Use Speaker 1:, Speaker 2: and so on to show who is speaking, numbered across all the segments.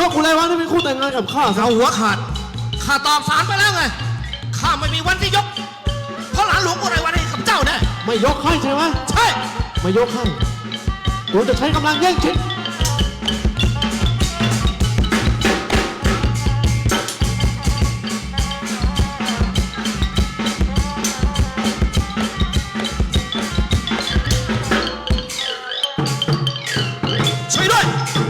Speaker 1: กอุไรวันที่เป็นคู่แต่งงานกับข้า
Speaker 2: เอาหัวขาดข้าตอบสารไปแล้วไงข้าไม่มีวันที่ยกเพราะหลานหลวงอุไรวันให้กับเจ้าแน่
Speaker 1: ไม่ยกให้ใช่ไหม
Speaker 2: ใช่
Speaker 1: ไม่ยกให้กูจะใช้กำลังแย่งชิง
Speaker 2: ช่วยด้วย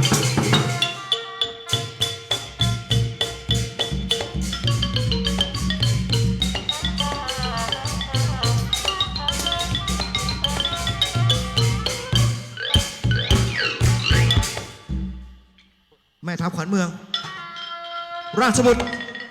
Speaker 2: แม่ทัพขวัญเมือง ราชบุตร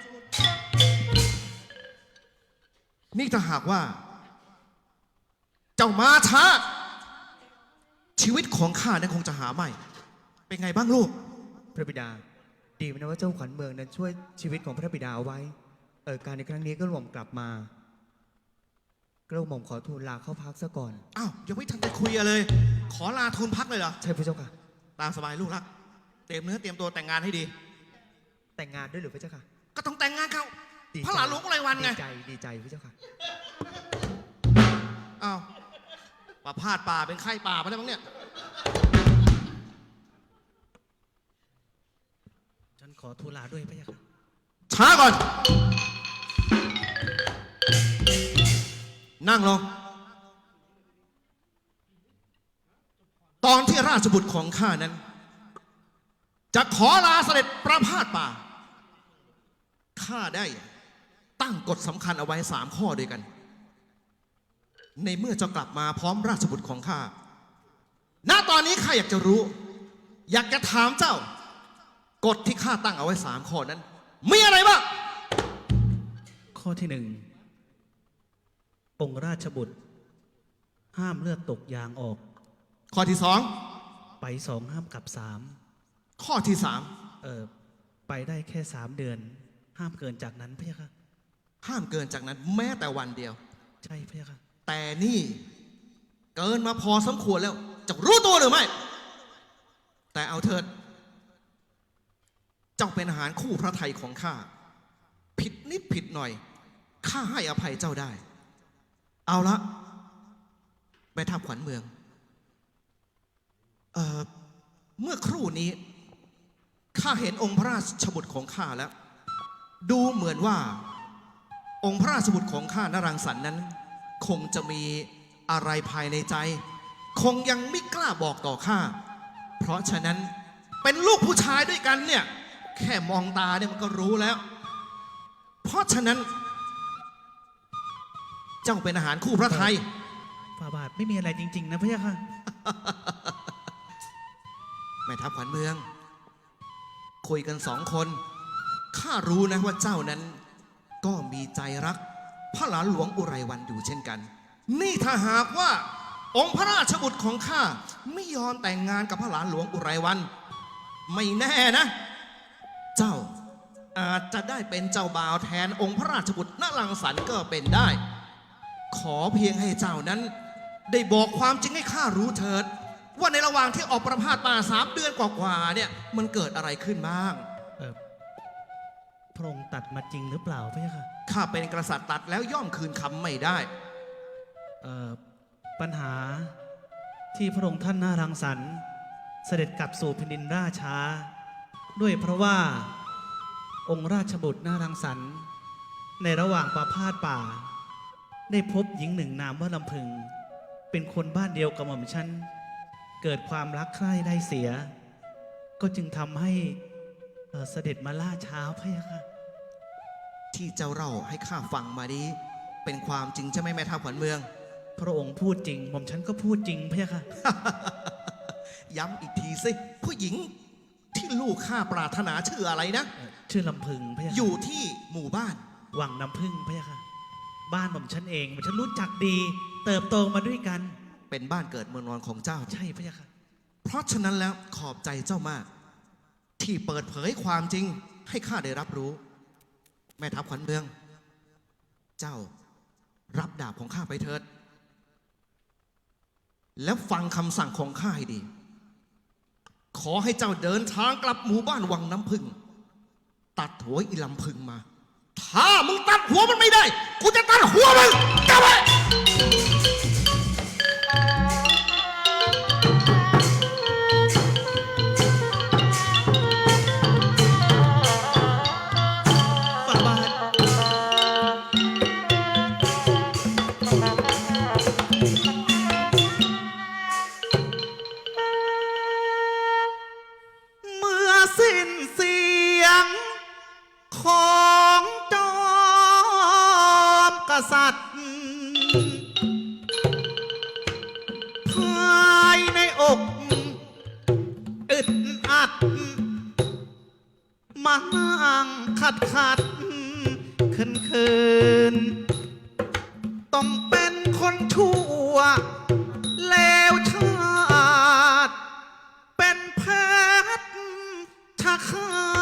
Speaker 2: นี่ถ้าหากว่า เจ้ามาช้า ชีวิตของข้านั้นคงจะหาไม่ เป็นไงบ้างลูก
Speaker 3: พระบิดาดีนะว่าเจ้าขวัญเมืองนั้นช่วยชีวิตของพระบิดาเอาไว้การในครั้งนี้ก็หม่อมกลับมากระหม่อมขอทูลลาเข้าพักซะก่อน
Speaker 2: อ้าวยังไม่ทันได้คุยเลย ขอลาทูลพักเลยเหรอ
Speaker 3: ใช่พระเจ้าค่ะ
Speaker 2: ตามสบายลูกรักเตรียมเนื้อเตรียมตัวแต่งงานให้ดี
Speaker 3: แต่งงานด้วยหรือพระเจ้าค่ะ
Speaker 2: ก็ต้องแต่งงานเขา
Speaker 3: ดีใจ
Speaker 2: พระหลานหลวงอุไรวันไง
Speaker 3: ดีใจพระเจ้าค่ะ
Speaker 2: อ้าวป่าพาดป่าเป็นไข้ป่าไปแล้วมั้งเนี่ย
Speaker 3: ฉันขอทูลลาด้วยพระเจ้าค่ะ
Speaker 2: ช้าก่อน นั่งลง ตอนที่ราชบุตรของข้านั้น จะขอลาเสด็จประพาสป่า ข้าได้ตั้งกฎสำคัญเอาไว้3 ข้อด้วยกัน ในเมื่อเจ้ากลับมาพร้อมราชบุตรของข้า ณ ตอนนี้ข้าอยากจะรู้ อยากจะถามเจ้ากฎที่ข้าตั้งเอาไว้3 ข้อนั้น มีอะไรบ้าง
Speaker 3: ข้อที่ 1 องค์ราชบุตร ห้ามเลือดตกยางออก
Speaker 2: ข้อที่
Speaker 3: ไป2ห้ามกลับ3
Speaker 2: 2 ข้อที่
Speaker 3: ไปได้แค่3 เดือน ห้ามเกินจากนั้นพระเจ้าค่ะ
Speaker 2: 3 ห้ามเกินจากนั้นแม้แต่วันเดียว
Speaker 3: ใช่พระเจ้าค่ะ
Speaker 2: แต่นี่เกินมาพอสมควรแล้ว จะรู้ตัวหรือไม่ แต่เอาเถิด เจ้าเป็นอาหารคู่พระไทยของข้า ผิดนิดผิดหน่อย ข้าให้อภัยเจ้าได้ เอาละแม่ทัพขวัญเมือง เมื่อครู่นี้ ข้าเห็นองค์พระราชบุตรของข้าแล้ว ดูเหมือนว่า องค์พระราชบุตรของข้านรังสรรค์นั้น คงจะมีอะไรภายในใจ คงยังไม่กล้าบอกต่อข้า เพราะฉะนั้นเป็นลูกผู้ชายด้วยกันเนี่ย แค่มองตาเนี่ยมันก็รู้แล้ว เพราะฉะนั้น เจ้าเป็นอาหารคู่พระไทย
Speaker 3: ฝ่าบาทไม่มีอะไรจริงๆนะพระเจ้าค่ะ
Speaker 2: แม่ทัพขวัญเมือง คุยกัน2 คนข้ารู้นะว่าเจ้านั้น ก็มีใจรักพระหลานหลวงอุไรวันอยู่เช่นกัน นี่ถ้าหากว่า องค์พระราชบุตรของข้าไม่ยอมแต่งงานกับพระหลานหลวงอุไรวัน ไม่แน่นะ เจ้าอาจจะได้เป็นเจ้าบ่าวแทนองค์พระราชบุตรนรังสรรค์ก็เป็นได้ ขอเพียงให้เจ้านั้น ได้บอกความจริงให้ข้ารู้เถิด ว่าในระหว่างที่ออกประพาสป่า3 เดือนกว่าๆเนี่ยมันเกิดอะไรขึ้นบ้าง
Speaker 3: พระองค์ตัดมาจริงหรือเปล่าพระเจ้าค่ะ
Speaker 2: ข้าเป็นกษัตริย์ตัดแล้วย่อมคืนคำไม่ได้
Speaker 3: ปัญหาที่พระองค์ท่านน่ารังสรรค์เสด็จกลับสู่แผ่นดินราชาด้วยเพราะว่าองค์ราชบุตรน่ารังสรรค์ในระหว่างประพาสป่า ได้พบหญิงหนึ่งนามว่าลำพึง เป็นคนบ้านเดียวกับหม่อมฉันเกิดความรักใคร่ได้เสีย ก็จึงทำให้เสด็จมาล่าช้าพระยาค่ะ
Speaker 2: ที่เจ้าเล่าให้ข้าฟังมานี้เป็นความจริงใช่ไหมแม่ทัพขวัญเมือง
Speaker 3: พระองค์พูดจริงหม่อมฉันก็พูดจริงพระยาค่ะ
Speaker 2: ย้ำอีกทีสิผู้หญิงที่ลูกข้าปรารถนาชื่ออะไรนะ
Speaker 3: ชื่อลำพึงพระยาค่ะ
Speaker 2: อยู่ที่หมู่บ้าน
Speaker 3: วังน้ำพึ่งพระยาค่ะ บ้านหม่อมฉันเองหม่อมฉันรู้จักดี เติบโตมาด้วยกัน
Speaker 2: เป็นบ้านเกิดเมืองนอนของเจ้า
Speaker 3: ใช่พระยาค่ะ
Speaker 2: เพราะฉะนั้นแล้วขอบใจเจ้ามาก ที่เปิดเผยความจริงให้ข้าได้รับรู้ แม่ทัพขวัญเมือง เจ้ารับดาบของข้าไปเถิด แล้วฟังคำสั่งของข้าให้ดีขอให้เจ้าเดินทางกลับหมู่บ้านวังน้ำพึ่งตัดหัวอีลำพึงมา ถ้ามึงตัดหัวมันไม่ได้ กูจะตัดหัวมึงจำไว้
Speaker 3: ฝ่าบาทเมื่อสิ้นเสียงของจอมกษัตริย์ภายในอกอึดอัด มานั่งขัดคืนต้องเป็นคนชั่วเลวชาติเป็นแพทย์ชะคา